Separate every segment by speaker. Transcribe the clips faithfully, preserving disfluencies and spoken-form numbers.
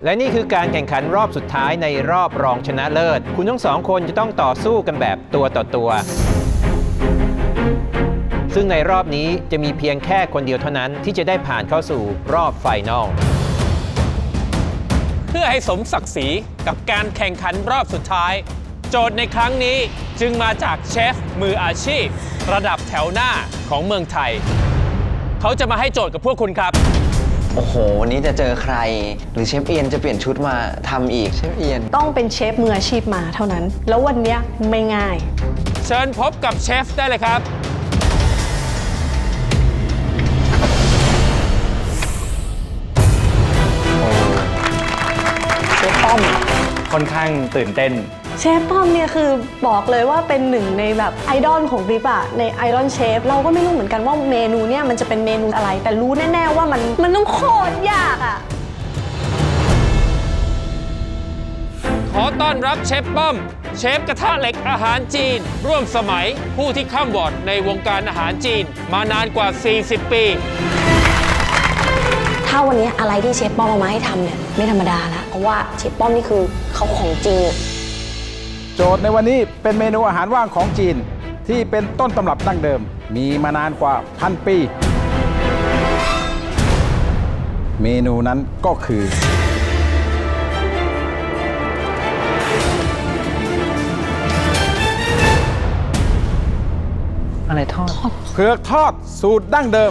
Speaker 1: และนี่คือการแข่งขันรอบสุดท้ายในรอบรองชนะเลิศคุณทั้งสองคนจะต้องต่อสู้กันแบบตัวต่อตัวซึ่งในรอบนี้จะมีเพียงแค่คนเดียวเท่านั้นที่จะได้ผ่านเข้าสู่รอบไฟนอลเพื่อให้สมศักดิ์ศรีกับการแข่งขันรอบสุดท้ายโจทย์ในครั้งนี้จึงมาจากเชฟมืออาชีพระดับแถวหน้าของเมืองไทยเขาจะมาให้โจทย์กับพวกคุณครับ
Speaker 2: โอ้โหวันนี้จะเจอใครหรือเชฟเอียนจะเปลี่ยนชุดมาทำอีกเชฟเอียน
Speaker 3: ต้องเป็นเชฟมืออาชีพมาเท่านั้นแล้ววันนี้ไม่ง่าย
Speaker 1: เชิญพบกับเชฟได้เลยครับ
Speaker 3: เชฟป้อม
Speaker 4: ค่อนข้างตื่นเต้น
Speaker 3: เชฟป้อมเนี่ยคือบอกเลยว่าเป็นหนึ่งในแบบไอดอลของดิปอะในไอดอลเชฟเราก็ไม่รู้เหมือนกันว่าเมนูเนี่ยมันจะเป็นเมนูอะไรแต่รู้แน่ๆว่ามันมันต้องโคตรยากอะ
Speaker 1: ขอต้อนรับเชฟป้อมเชฟกระทะเหล็กอาหารจีนร่วมสมัยผู้ที่ข้ามวอร์ดในวงการอาหารจีนมานานกว่าสี่สิบปี
Speaker 5: ถ้าวันนี้อะไรที่เชฟป้อมเอามาให้ทำเนี่ยไม่ธรรมดาแล้วเพราะว่าเชฟป้อมนี่คือเขาของจริง
Speaker 6: โจทย์ในวันนี้เป็นเมนูอาหารว่างของจีนที่เป็นต้นตำรับดั้งเดิมมีมานานกว่าพันปีเมนูนั้นก็คือ
Speaker 2: อะไรทอด
Speaker 6: เผือกทอดสูตรดั้งเดิม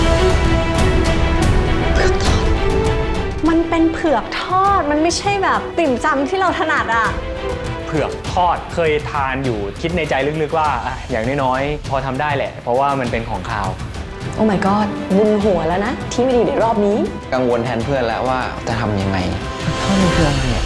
Speaker 3: มันเป็นเผือกทอดมันไม่ใช่แบบติ่มซำที่เราถนัดอ่ะ
Speaker 4: เผือกทอดเคยทานอยู่คิดในใจลึกๆว่าอย่างน้อยๆพอทำได้แหละเพราะว่ามันเป็นของคาว
Speaker 5: โอ้ my god บุญหัวแล้วนะที่ไม่ดีในรอบนี้
Speaker 2: กังวลแทนเพื่อนแล้วว่าจะทำยังไงทอดมันคืออะไรอ่ะ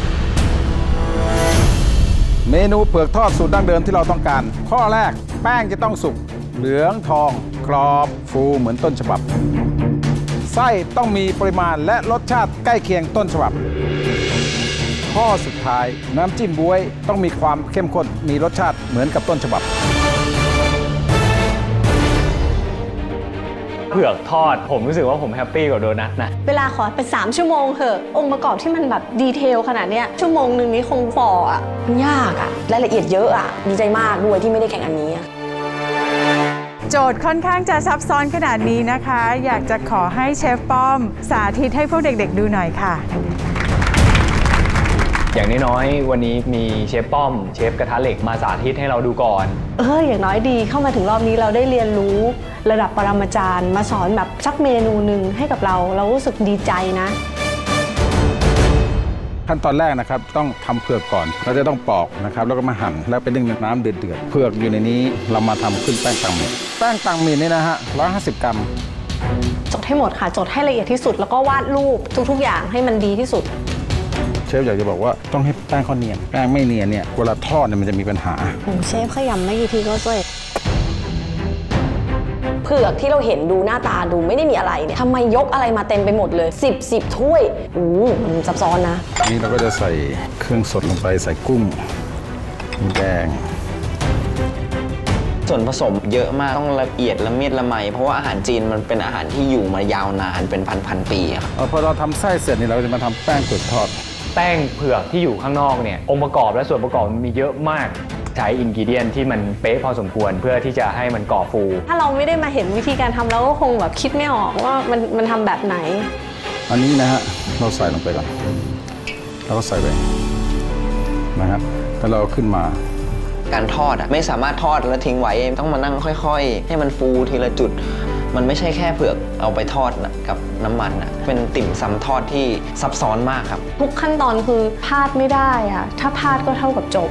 Speaker 6: เมนูเผือกทอดสูตรดั้งเดิมที่เราต้องการข้อแรกแป้งจะต้องสุกเหลืองทองกรอบฟูเหมือนต้นฉบับไส้ต้องมีปริมาณและรสชาติใกล้เคียงต้นฉบับข้อสุดท้ายน้ำจิ้มบ๊วยต้องมีความเข้มข้นมีรสชาติเหมือนกับต้นฉบับ
Speaker 4: เผือกทอดผมรู้สึกว่าผมแฮปปี้กว่าโดนัทนะ
Speaker 3: เวลาขอเป็นสามชั่วโมงเถอะองค์ประกอบที่มันแบบดีเทลขนาดเนี้ยชั่วโมงหนึ่งนี้คงฝ่ออ่ะ
Speaker 5: มันยากอ่ะรายละเอียดเยอะอ่ะดีใจมากด้วยที่ไม่ได้แข่งอันนี้
Speaker 7: โจทย์ค่อนข้างจะซับซ้อนขนาดนี้นะคะอยากจะขอให้เชฟป้อมสาธิตให้พวกเด็กๆดูหน่อยค่ะ
Speaker 4: อย่างน้อยๆวันนี้มีเชฟป้อมเชฟกระทะเหล็กมาสาธิตให้เราดูก่อน
Speaker 3: เอออย่างน้อยดีเข้ามาถึงรอบนี้เราได้เรียนรู้ระดับปรมาจารย์มาสอนแบบสักเมนูหนึ่งให้กับเราเรารู้สึกดีใจนะ
Speaker 6: ขั้นตอนแรกนะครับต้องทำเผือกก่อนเราจะต้องปอกนะครับแล้วก็มาหั่นแล้วไปนึ่งในน้ำเดือดๆเผือกอยู่ในนี้เรามาทำขึ้นแป้งตังหมี่แป้งตังหมี่นี่นะฮะร้อยห้าสิบกรัม
Speaker 3: จดให้หมดค่ะจดให้ละเอียดที่สุดแล้วก็วาดรูปทุกๆอย่างให้มันดีที่สุด
Speaker 6: เชฟอยากจะบอกว่าต้องให้แป้งเขาเนียนแป้งไม่เนียนเนี่ยเวลาทอดเนี่ยมันจะมีปัญหา
Speaker 3: โอ้เชฟขยำไม่กี่ทีก็เสร็จ
Speaker 5: เผือกที่เราเห็นดูหน้าตาดูไม่ได้มีอะไรเนี่ยทำไมยกอะไรมาเต็มไปหมดเลยสิบ สิบถ้วยอู้มันซับซ้อนนะ
Speaker 6: นี่เราก็จะใส่เครื่องสดลงไปใส่กุ้งแดง
Speaker 2: ส่วนผสมเยอะมากต้องละเอียดละเมียดละไมเพราะว่าอาหารจีนมันเป็นอาหารที่อยู่มายาวนานเป็นพันๆปีครับ
Speaker 6: พอเราทำไส้เสร็จนี่เราจะมาทำแป้งเผือกทอด
Speaker 4: แป้งเผือกที่อยู่ข้างนอกเนี่ยองค์ประกอบและส่วนประกอบมันมีเยอะมากใช้อินกิเดียนที่มันเป๊ะพอสมควรเพื่อที่จะให้มันก่อฟู
Speaker 3: ถ้าเราไม่ได้มาเห็นวิธีการทำเราก็คงแบบคิดไม่ออกว่ามันมันทำแบบไหน
Speaker 6: อันนี้นะฮะเราใส่ลงไปก่อนแล้วก็ใส่ไปนะครับแล้วเราขึ้นมา
Speaker 2: การทอดอ่ะไม่สามารถทอดแล้วทิ้งไว้ต้องมานั่งค่อยๆให้มันฟูทีละจุดมันไม่ใช่แค่เผือกเอาไปทอดกับน้ำมันอ่ะเป็นติ่มซำทอดที่ซับซ้อนมากครับ
Speaker 3: ทุกขั้นตอนคือพลาดไม่ได้อ่ะถ้าพลาดก็เท่ากับจบ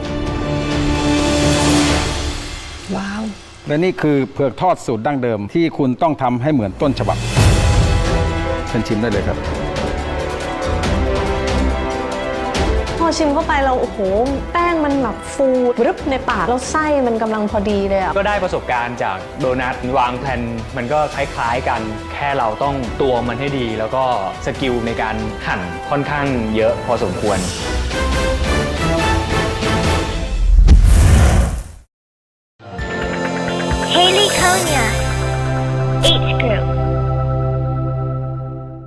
Speaker 5: ว้าว
Speaker 6: และนี่คือเผือกทอดสูตรดั้งเดิมที่คุณต้องทำให้เหมือนต้นฉบับเชิญชิมได้เลยครับ
Speaker 3: พอชิมเข้าไปเราโอ้โหแป้งมันแบบฟูรึบในปากแล้วไส้มันกำลังพอดีเลยอ่ะ
Speaker 4: ก็ได้ประสบการณ์จากโดนัทวางแผนมันก็คล้ายๆกันแค่เราต้องตวงมันให้ดีแล้วก็สกิลในการหั่นค่อนข้างเยอะพอสมควร
Speaker 8: Haley Konya